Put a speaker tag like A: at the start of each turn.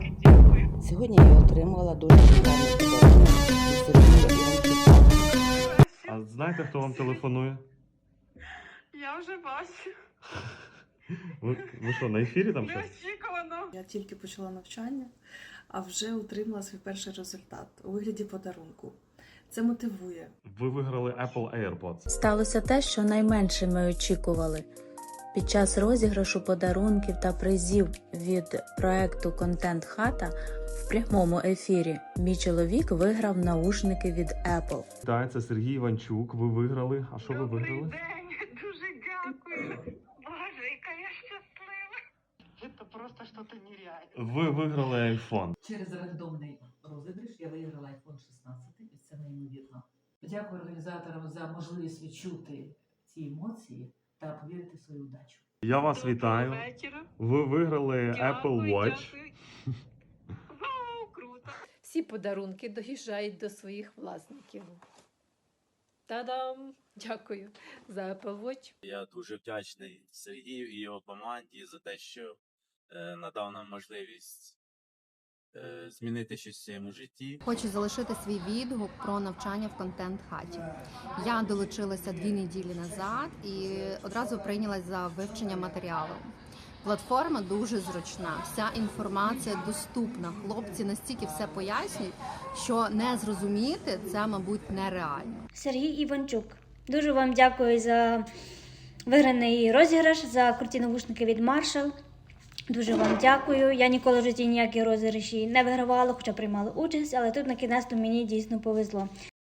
A: Сьогодні я отримала дуже приємний подарунок від Сергія Іванчука.
B: А знаєте, хто вам телефонує?
C: Я вже бачу.
B: Ви що, на ефірі там щось?
C: Неочікувано.
D: Я тільки почала навчання, а вже отримала свій перший результат у вигляді подарунку. Це мотивує.
B: Ви виграли Apple AirPods.
E: Сталося те, що найменше ми очікували. Під час розіграшу подарунків та призів від проекту «Контент Хата» в прямому ефірі мій чоловік виграв наушники від Apple.
B: Так, це Сергій Іванчук. Ви виграли. А що ви
C: Добрий
B: виграли?
C: день, дуже дякую. Боже, яка я щаслива. Це просто щось нереальне.
B: Ви виграли iPhone.
F: Через рандомний розіграш я виграла iPhone 16, і це неймовірно. Дякую організаторам за можливість відчути ці емоції та повірити в свою удачу.
B: Я вас вітаю.
C: Вечора.
B: Ви виграли Apple
C: Дякую,
B: Watch.
C: дякую. Вау, круто.
G: Всі подарунки доїжджають до своїх власників. Та-дам! Дякую за Apple Watch.
H: Я дуже вдячний Сергію і його команді за те, що надав нам можливість змінити щось в своєму житті.
I: Хочу залишити свій відгук про навчання в контент-хаті. Я долучилася 2 неділі назад і одразу прийнялась за вивчення матеріалу. Платформа дуже зручна, вся інформація доступна. Хлопці настільки все пояснюють, що не зрозуміти це, мабуть, нереально.
J: Сергій Іванчук. Дуже вам дякую за виграний розіграш, за круті навушники від Marshall. Дуже вам дякую. Я ніколи в житті ніякі розіграші не вигравала, хоча приймала участь, але тут на кінець мені дійсно повезло.